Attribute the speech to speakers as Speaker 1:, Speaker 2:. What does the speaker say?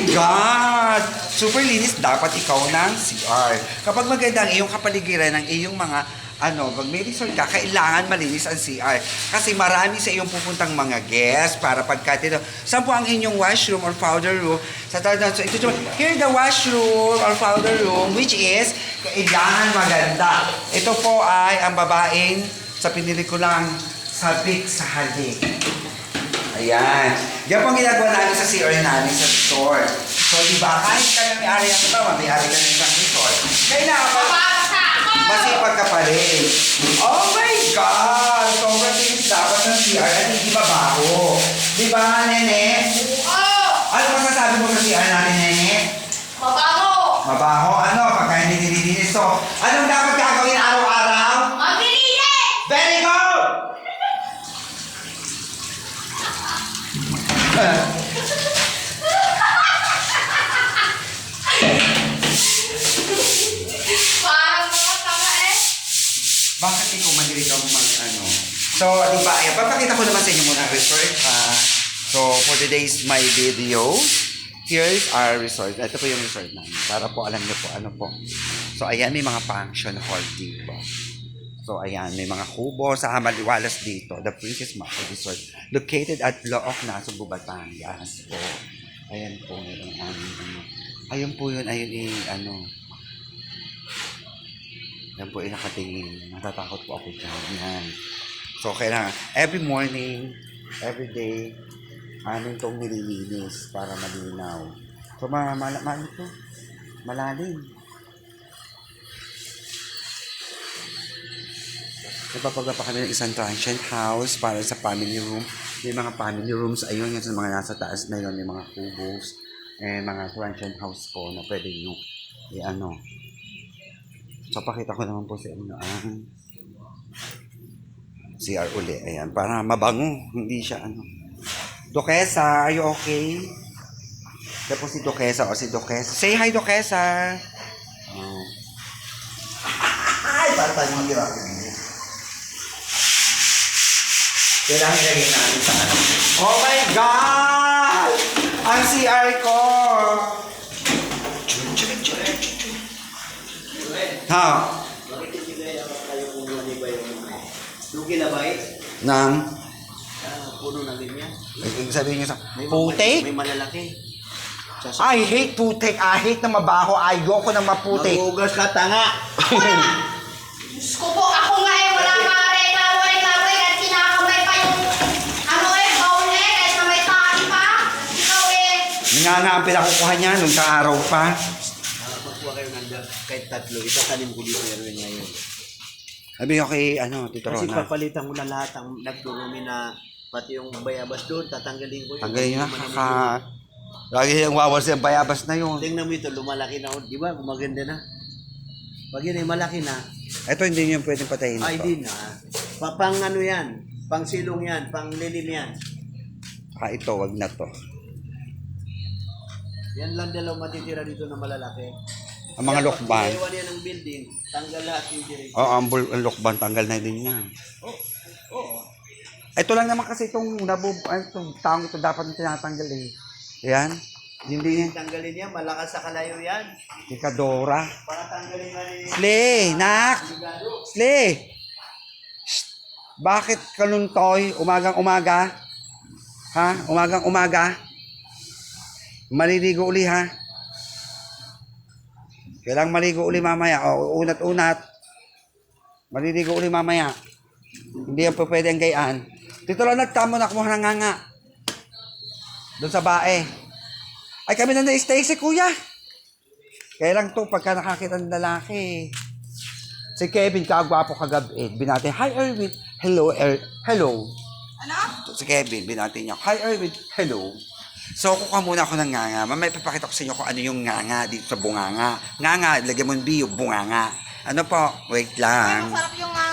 Speaker 1: God! Super linis dapat ikaw ng CR. Kapag maganda ang iyong kapaligiran ng iyong mga pag may resort ka, kailangan malinis ang CR. Kasi marami sa iyong pupuntang mga guests para pagkatito. Saan po ang inyong washroom or powder room? So, here the washroom or powder room, which is, kailangan maganda. Ito po ay ang babaeng sa pinili ko lang sabik sa halik. Ayan. Yan po ang ginagawa namin sa CR namin sa resort. So, di ba, kahit ka na may-ari ng iba, may-ari ka ng isang resort, kailangan masipag ka pa rin. Oh my God! Sobrang tinis dapat ng CR at hindi mabaho. Di ba, Nene?
Speaker 2: Oo!
Speaker 1: Ano masasabi mo sa CR natin, Nene?
Speaker 2: Mabaho!
Speaker 1: Mabaho? Ano? Pagka hindi nililinis. So, anong dapat gagawin araw-araw?
Speaker 2: Maglinis!
Speaker 1: Very good!
Speaker 2: Parang mga tanga eh.
Speaker 1: Bakit ikaw mahilig ako mag-ano? So, di ba, ayan, papakita ko naman sa inyo muna ang resort. So, for today's my video, here's our resort. Ito po yung resort namin. Para po alam niyo po ano po. So, ayan, may mga function hall dito. So, ayan, may mga kubo sa Maliwalas dito. The Princess Marco Resort. Located at Looc, Nasugbu, Batangas. So, ayan po, meron ayun po yun, yan po yung nakatingin. Natatakot po ako dyan. Yan. So, kailangan, every morning, every day, amin itong nililinis para malinaw. So, malalim. Nagpapagawa pa kami ng isang transient house para sa family room. May mga family rooms, ayun, yan sa mga nasa taas na yun, may mga kubos, mga transient house po na pwede nyo, So, pakita ko naman po sa inyo ang CR uli. Ayan, para mabango. Hindi siya Duquesa, are you okay? Ito po si Duquesa o si Duquesa. Say hi, Duquesa! Ay, para tayo mga gira. Kailangan ilagay natin sa Oh my God! Ang CR ko! Ha?
Speaker 3: Bakit hindi kaya kayo kumuha ni ba yung lugi na ba eh?
Speaker 1: Nang?
Speaker 3: Puno na ganyan.
Speaker 1: Sabihin nyo sa putik?
Speaker 3: May malalaki.
Speaker 1: I hate putik. I hate na mabaho. Ayoko na maputik.
Speaker 3: Mag-ugas ka, tanga!
Speaker 2: Diyos ko po, ako nga eh, wala nga reklamo kahit kinakamay pa yung baul eh, kahit na may tali pa. Ikaw eh.
Speaker 1: Nga ang pinakukuha niya nung sa araw pa.
Speaker 3: Magkuha kayo ng kahit tatlo. Itatanim ko dito yan ngayon.
Speaker 1: Sabi ko kay, Tito
Speaker 3: Kasi
Speaker 1: Rona.
Speaker 3: papalitan mo na lahat ang nagdurumi na pati yung bayabas doon, tatanggalin ko yun.
Speaker 1: Tanggalin na, lagi yung wawas yung bayabas na yun.
Speaker 3: Tingnan mo ito, lumalaki na. Di ba? Maganda na. Pag yun ay malaki na,
Speaker 1: Ito hindi nyo pwedeng patayin
Speaker 3: ay
Speaker 1: ito.
Speaker 3: di na. Pang ano yan, pang silong yan, pang lilim yan.
Speaker 1: Ito, wag na to.
Speaker 3: Yan lang dalaw matitira dito na malalaki.
Speaker 1: Ang mga lokban.
Speaker 3: Pag iwan yan ng building, tanggal lahat yung direct.
Speaker 1: Oo, ang lokban, tanggal na din yan.
Speaker 3: Oo.
Speaker 1: Ito lang naman kasi itong taong ito dapat na tinatanggal eh. Yan. Hindi yan.
Speaker 3: Tanggalin yan, malakas sa kalayo yan.
Speaker 1: Ikadora.
Speaker 3: Para tanggalin na rin.
Speaker 1: Slay, nak! Slay! Shh. Bakit kaluntoy? Umagang-umaga? Ha? Umagang-umaga? Maliligo uli ha? Kailangang maligo uli mamaya. O, unat-unat. Maliligo uli mamaya. Hindi yan po pwede ang gayaan. Dito lang nagtamo na kumuha ng nganga. Doon sa bae. Ay kami na na-stay si kuya. Kaya lang to pagka nakakita ng lalaki. Si Kevin, kagwapo kagabi. Binati, hi Erwin. Hello, hello.
Speaker 2: Ano?
Speaker 1: Si Kevin, binati niya, hi Erwin. Hello. So, kukuha muna ako ng nganga. Mamaya ipapakita ko sa inyo kung ano yung nganga dito sa bunganga. Nganga, lagyan mo yung biyo, bunganga. Ano po? Wait lang.
Speaker 2: Masarap yung